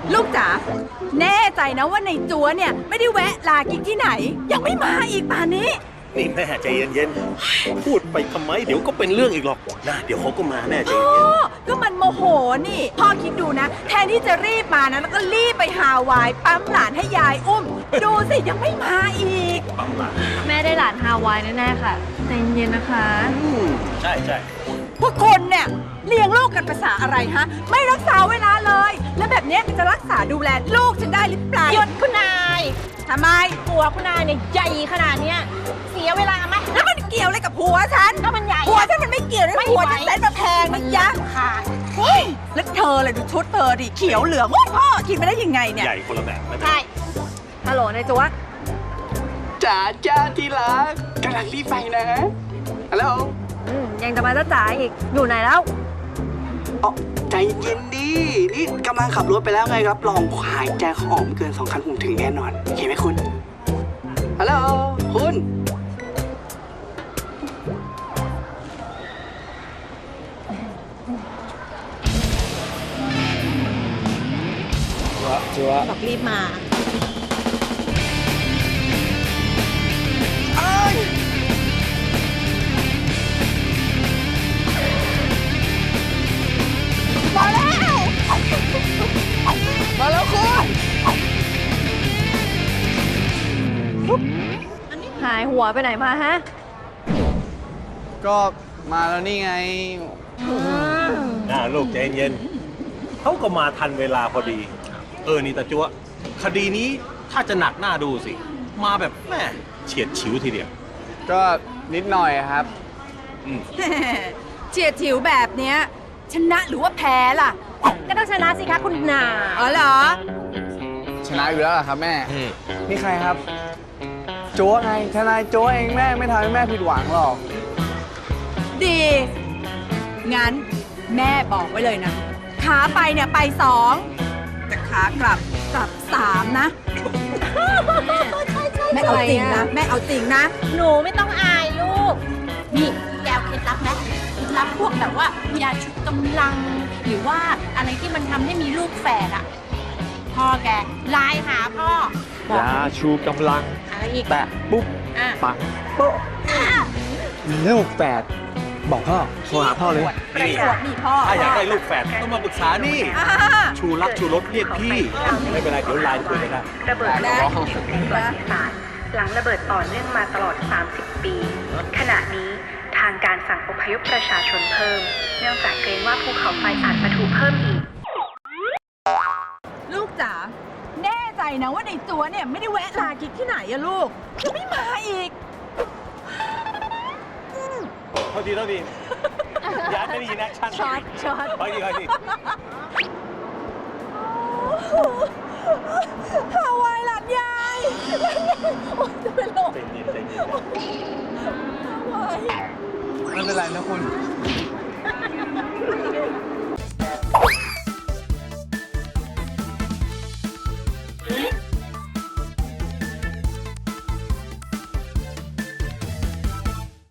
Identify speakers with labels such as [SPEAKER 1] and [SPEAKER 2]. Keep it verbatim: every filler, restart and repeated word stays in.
[SPEAKER 1] ลูกจ๋าแน่ใจนะว่าในจัวเนี่ยไม่ได้แวะลากินที่ไหน ยังไม่มาอีกป่านนี้
[SPEAKER 2] นี่แม่ใจเย็นๆพูดไปทำไมเดี๋ยวก็เป็นเรื่องอีกหรอกนะเดี๋ยวเขาก็มาแน่ใจเย็น
[SPEAKER 1] ก็มันโมโหนี่พ่อคิดดูนะแทนที่จะรีบมานะแล้วก็รีบไปฮาวายปั๊มหลานให้ยายอุ้มดูสิยังไม่มาอีก
[SPEAKER 2] ปั๊มหลาน
[SPEAKER 3] แม่ได้หลานฮาวายแน่ๆค่ะใจเย็นๆนะคะ
[SPEAKER 2] อืมใช่ใช่
[SPEAKER 1] พวกคนเนี่ยเลี้ยงลูกกันภาษาอะไรฮะไม่รักษาเวลาเลยแล้วแบบนี้จะรักษาดูแลลูกฉันได้หรือเปล่า
[SPEAKER 3] หยุดคุณนาย
[SPEAKER 1] ทำไม
[SPEAKER 3] ผัวคุณนายเนี่ยใหญ่ขนาดเนี้ยเสียเวลาไหม
[SPEAKER 1] แล้วมันเกี่ยวอะไรกับผัวฉัน
[SPEAKER 3] ก็มันใหญ่
[SPEAKER 1] ผัวฉันมันไม่เกี่ยวนะผัวฉันเล่นมาแพงนะยะ
[SPEAKER 3] ค่ะ
[SPEAKER 1] เฮ้ยแล้วเธอเลยดูชุดเธอดิเขียวเหลืองโอ้พ่อกินไปได้ยังไงเนี่ย
[SPEAKER 2] ใหญ่คนละแบบ
[SPEAKER 3] ใช่ฮัลโหลนายจัว
[SPEAKER 4] จ๋าจ้าที่รักกำลังรีบไปนะฮัลโหล
[SPEAKER 3] ยังจะมาจ้าจ๋าอีกอยู่ไหนแล้ว
[SPEAKER 4] อ๋อใจเย็นดินี่กำลังขับรถไปแล้วไงรับรองหายใจหอมเกินสองคันผมถึงแน่นอนเห็นไหมคุณฮัลโหลคุณ
[SPEAKER 3] จัวบอกรีบมา
[SPEAKER 1] มาแล้วมาแล้วคุณ
[SPEAKER 3] หายหัวไปไหนมาฮะ
[SPEAKER 4] ก็มาแล้วนี่ไง
[SPEAKER 2] น่าลูกใจเย็นเขาก็มาทันเวลาพอดีเออนี่ตาจั๊วคดีนี้ถ้าจะหนักหน้าดูสิมาแบบแม่เฉียดฉิวทีเดียว
[SPEAKER 4] ก็นิดหน่อยครับ
[SPEAKER 1] เฉียดฉิวแบบเนี้ยชนะหรือว่าแพ้ล่ะ
[SPEAKER 3] ก็ต้องชนะสิคะคุณนา
[SPEAKER 1] อ๋อเหรอ
[SPEAKER 4] ชนะอยู่แล้วเหรอครับแม่นี่ใครครับโจ้ไงทนายโจ้เองแม่ไม่ทำให้แม่ผิดหวังหรอก
[SPEAKER 1] ดีงั้นแม่บอกไว้เลยนะขาไปเนี่ยไปสองแต่ขากลับกลับสามนะแม่เอาจริงนะแม่เอาจริงนะ
[SPEAKER 3] หนูไม่ต้องอายลูกนี่แกเอาเคล็ดลับไหมเคล็ดลับพวกแบบว่ายาชุดกำลังหรือว่าอะไรที่มันทำให้มีลูกแฝดอะพ่อแกไลน์หาพ่อย
[SPEAKER 4] าชูกำลัง
[SPEAKER 3] อะไรอีก
[SPEAKER 4] แตะปุ๊บปังโป๊ะมีลูกแฝดบอกพ่อโทรหาพ่อเลย
[SPEAKER 1] นี่พ่อ
[SPEAKER 2] ถ้าอยากได้ลูกแฝดต้องมาปรึกษานี่ชูรักชูรสเรียกพี่ไม่เป็นไรเดี๋ยวไลน์คุยกันได้
[SPEAKER 5] ระเบิดแรกเป็นประวัติศาสตร์หลังระเบิดต่อเนื่องมาตลอดสามสิบปีขณะนี้ทางการสั่งอพยพประชาชนเพิ่มเนื่องจากเกรงว่าภูเขาไฟอาจปะทุเพิ่มอีก
[SPEAKER 1] ลูกจ๋าแน่ใจนะว่าในจัวเนี่ยไม่ได้แวะลากินที่ไหนอะลูกจะไม่มาอีก
[SPEAKER 2] เท่าทีเท่าทีย้ายไม่ได้ยินแอคชั่น
[SPEAKER 3] ช็อตช็อต
[SPEAKER 2] ไปดีไปดี